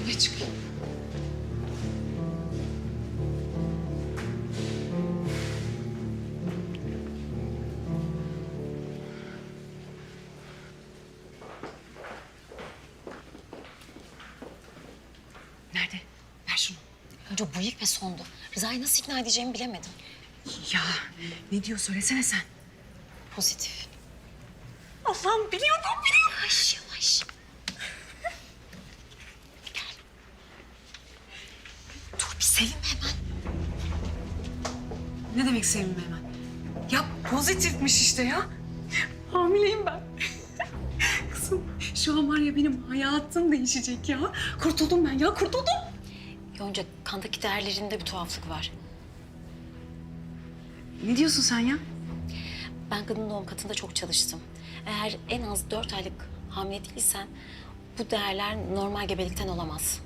Şöyle çıkayım. Nerede? Ver şunu. Önce bu ilk ve sondu. Rıza'yı nasıl ikna edeceğimi bilemedim. Ya ne diyor söylesene sen. Pozitif. Allah'ım biliyordum. Yavaş yavaş. Gel. Dur bir sevinme hemen. Ne demek sevinme hemen? Ya pozitifmiş işte ya. Hamileyim ben. Kızım şu an var ya benim hayatım değişecek ya. Kurtuldum ben ya kurtuldum. Yonca kandaki değerlerinde bir tuhaflık var. Ne diyorsun sen ya? Ben kadın doğum katında çok çalıştım. Eğer en az 4 aylık hamile değilsen bu değerler normal gebelikten olamaz.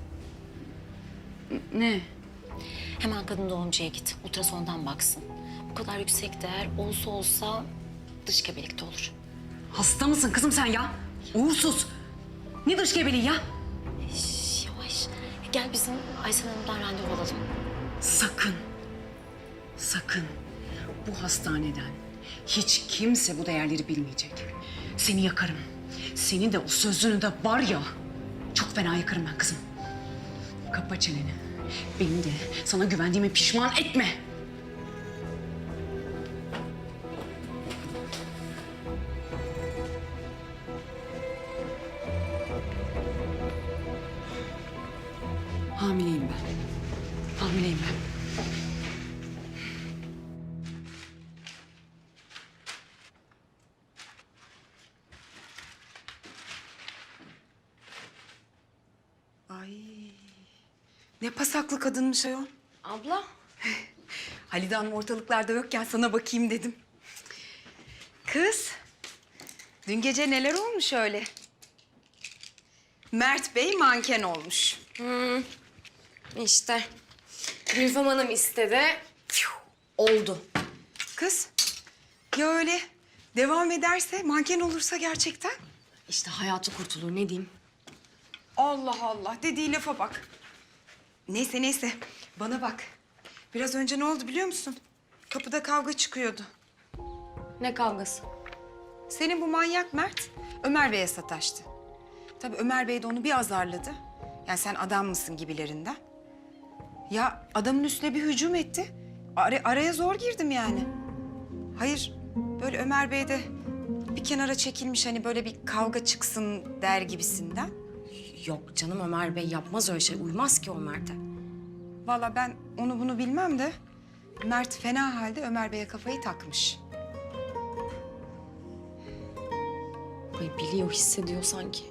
Ne? Hemen kadın doğumcuya git. Ultrasondan baksın. Bu kadar yüksek değer olsa dış gebelikte olur. Hasta mısın kızım sen ya? Uğursuz. Ne dış gebeliği ya? Şş, yavaş. Gel bizim Aysel Hanım'dan randevu alalım. Sakın. Sakın. Bu hastaneden hiç kimse bu değerleri bilmeyecek. Seni yakarım. Seni de o sözünü de var ya çok fena yakarım ben kızım. Kapa çeneni. Beni de sana güvendiğime pişman etme. Hamileyim ben. Hamileyim ben. Ay, ne pasaklı kadınmış ayol. Abla. Halide Hanım ortalıklarda yokken sana bakayım dedim. Kız, dün gece neler olmuş öyle? Mert Bey manken olmuş. İşte Gülfem Hanım istedi. Oldu. Kız, ya öyle devam ederse, manken olursa gerçekten? İşte hayatı kurtulur ne diyeyim. Allah Allah, dediği lafa bak. Neyse neyse, bana bak. Biraz önce ne oldu biliyor musun? Kapıda kavga çıkıyordu. Ne kavgası? Senin bu manyak Mert, Ömer Bey'e sataştı. Tabii Ömer Bey de onu bir azarladı. Yani sen adam mısın gibilerinden. Ya adamın üstüne bir hücum etti. Araya zor girdim yani. Hayır, böyle Ömer Bey de bir kenara çekilmiş hani böyle bir kavga çıksın der gibisinden. Yok canım Ömer Bey yapmaz öyle şey. Uymaz ki o Mert'e. Vallahi ben onu bunu bilmem de Mert fena halde Ömer Bey'e kafayı takmış. Ay biliyor, hissediyor sanki.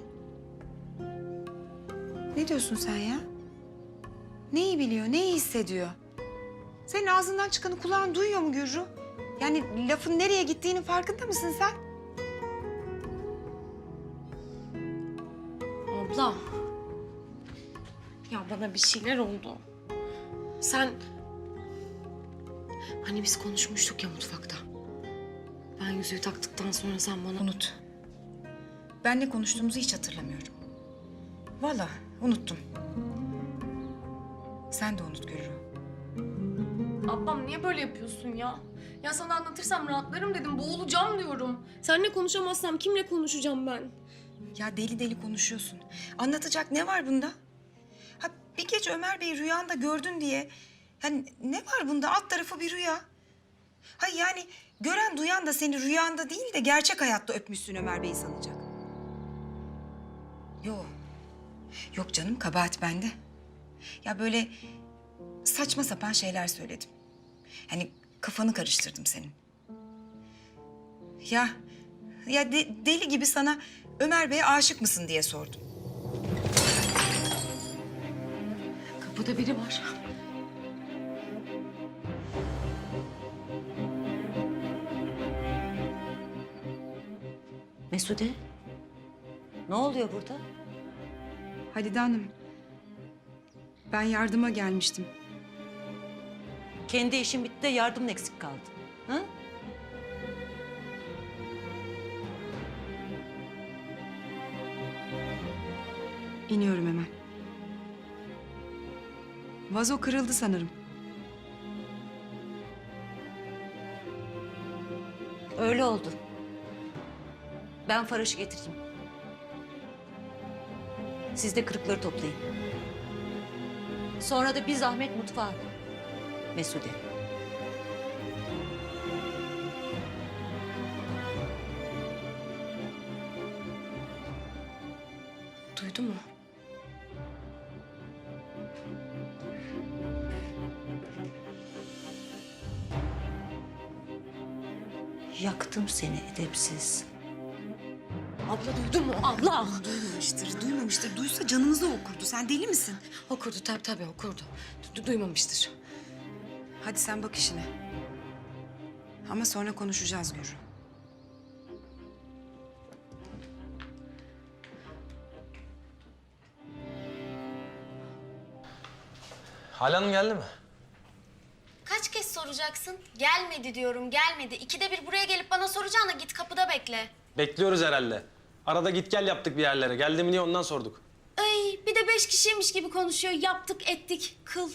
Ne diyorsun sen ya? Neyi biliyor, neyi hissediyor? Senin ağzından çıkanı kulağın duyuyor mu Gürru? Yani lafın nereye gittiğinin farkında mısın sen? Abla. Ya bana bir şeyler oldu. Sen... Hani biz konuşmuştuk ya mutfakta. Ben yüzüğü taktıktan sonra sen bana... Unut. Ben ne konuştuğumuzu hiç hatırlamıyorum. Vallahi unuttum. Sen de unut Gürru. Ablam niye böyle yapıyorsun ya? Ya sana anlatırsam rahatlarım dedim, boğulacağım diyorum. Seninle konuşamazsam kimle konuşacağım ben? Ya deli deli konuşuyorsun. Anlatacak ne var bunda? Ha bir gece Ömer Bey'i rüyanda gördün diye... Yani ne var bunda? Alt tarafı bir rüya. Ha yani gören duyan da seni rüyanda değil de gerçek hayatta öpmüşsün Ömer Bey'i sanacak. Yok. Yok canım, kabahat bende. Ya böyle saçma sapan şeyler söyledim. Yani kafanı karıştırdım senin. Ya deli gibi sana Ömer Bey'e aşık mısın diye sordum. Kapıda biri var. Mesude, ne oluyor burada? Halide Hanım, ben yardıma gelmiştim. Kendi işin bitti de yardımın eksik kaldı. Ha? İniyorum hemen. Vazo kırıldı sanırım. Öyle oldu. Ben Faraş'ı getireyim. Siz de kırıkları toplayın. Sonra da bir zahmet mutfağa. Mesude. Duydu mu? Yaktım seni edepsiz. Abla duydu mu? Allah! Duymamıştır, duymamıştır. Duysa canımızı okurdu. Sen deli misin? Okurdu, tabii okurdu. Duymamıştır. Hadi sen bak işine. Ama sonra konuşacağız Gürü. Hale Hanım geldi mi? Kaç kez soracaksın? Gelmedi diyorum, gelmedi. İkide bir buraya gelip bana soracağına git kapıda bekle. Bekliyoruz herhalde. Arada git gel yaptık bir yerlere. Geldi mi diye ondan sorduk. Ay bir de 5 kişiymiş gibi konuşuyor. Yaptık ettik, kıl.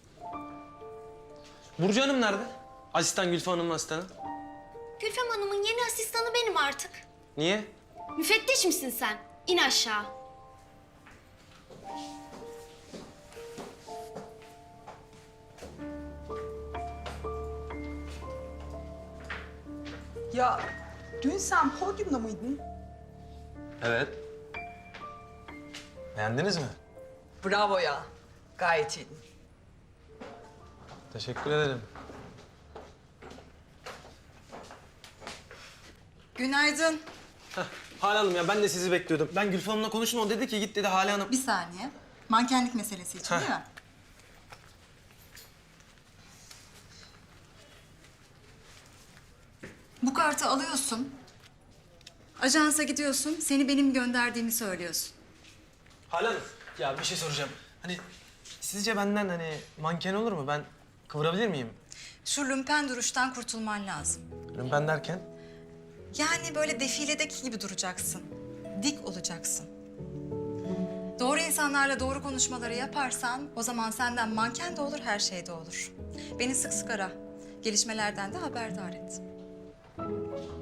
Burcu Hanım nerede? Asistan Gülfem Hanım'ın asistanı. Gülfem Hanım'ın yeni asistanı benim artık. Niye? Müfettiş misin sen? İn aşağı. Ya dün sen podyumda mıydın? Evet. Beğendiniz mi? Bravo ya. Gayet iyi. Teşekkür ederim. Günaydın. Hale Hanım ya ben de sizi bekliyordum. Ben Gülfem Hanım'la konuştum. O dedi ki git dedi Hale Hanım. Bir saniye. Mankenlik meselesi için değil mi? Bu kartı alıyorsun. Ajansa gidiyorsun. Seni benim gönderdiğimi söylüyorsun. Hale Hanım ya bir şey soracağım. Hani sizce benden hani manken olur mu? Ben kıvırabilir miyim? Şu lümpen duruştan kurtulman lazım. Ben derken? Yani böyle defiledeki gibi duracaksın. Dik olacaksın. Doğru insanlarla doğru konuşmaları yaparsan o zaman senden manken de olur, her şey de olur. Beni sık sık ara. Gelişmelerden de haberdar et.